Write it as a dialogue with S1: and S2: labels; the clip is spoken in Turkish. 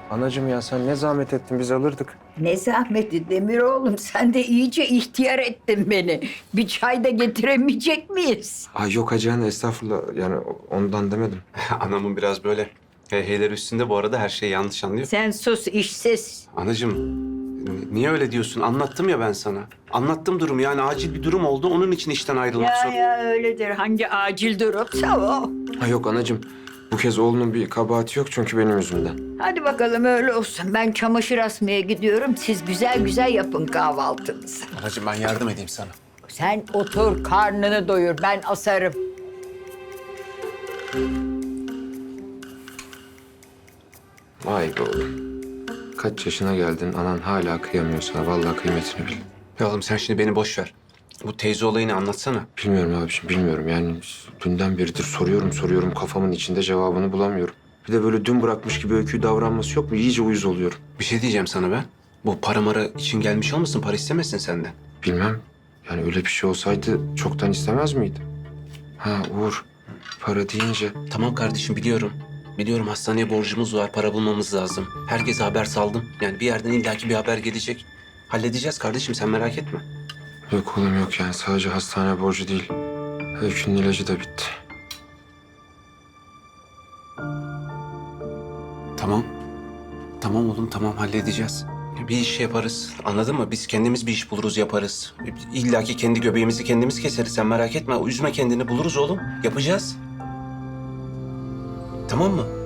S1: Anacığım ya sen ne zahmet ettin biz alırdık.
S2: Ne zahmeti Demir oğlum, sen de iyice ihtiyar ettin beni. Bir çay da getiremeyecek miyiz?
S1: Ay yok hacı anne estağfurullah yani ondan demedim.
S3: Anamın biraz böyle heyheyler üstünde, bu arada her şeyi yanlış anlıyor.
S2: Sen sus işsiz.
S3: Anacığım, niye öyle diyorsun? Anlattım ya ben sana. Anlattım durumu, yani acil bir durum oldu. Onun için işten ayrılmak
S2: Ya
S3: zor.
S2: ya öyledir. Hangi acil durumsa o.
S1: Ha yok anacığım bu kez oğlunun bir kabahati yok çünkü benim yüzümden.
S2: Hadi bakalım öyle olsun. Ben çamaşır asmaya gidiyorum. Siz güzel güzel yapın kahvaltınızı.
S4: Anacığım ben yardım edeyim sana.
S2: Sen otur karnını doyur. Ben asarım.
S1: Vay be oğlum. Kaç yaşına geldin anan hala kıyamıyor sana. Vallahi kıymetini bil.
S3: Ya oğlum sen şimdi beni boş ver. Bu teyze olayını anlatsana.
S1: Bilmiyorum abiciğim bilmiyorum yani dünden beridir soruyorum kafamın içinde cevabını bulamıyorum. Bir de böyle dün bırakmış gibi öyküyü davranması yok mu? İyice uyuz oluyorum.
S3: Bir şey diyeceğim sana ben. Bu para mara için gelmiş olmasın? Para istemesin senden.
S1: Bilmem. Yani öyle bir şey olsaydı çoktan istemez miydi? Ha Uğur, para deyince
S3: Tamam kardeşim, biliyorum. Biliyorum, hastaneye borcumuz var, para bulmamız lazım. Herkese haber saldım. Yani bir yerden illaki bir haber gelecek. Halledeceğiz kardeşim, sen merak etme.
S1: yok oğlum yok yani sadece hastane borcu değil. Öykünün ilacı da bitti.
S3: Tamam. Tamam oğlum, tamam, halledeceğiz. Bir iş yaparız, anladın mı? Biz kendimiz bir iş buluruz, yaparız. İlla ki kendi göbeğimizi kendimiz keseriz, sen merak etme. Üzme kendini, buluruz oğlum. Yapacağız. Tamam mı?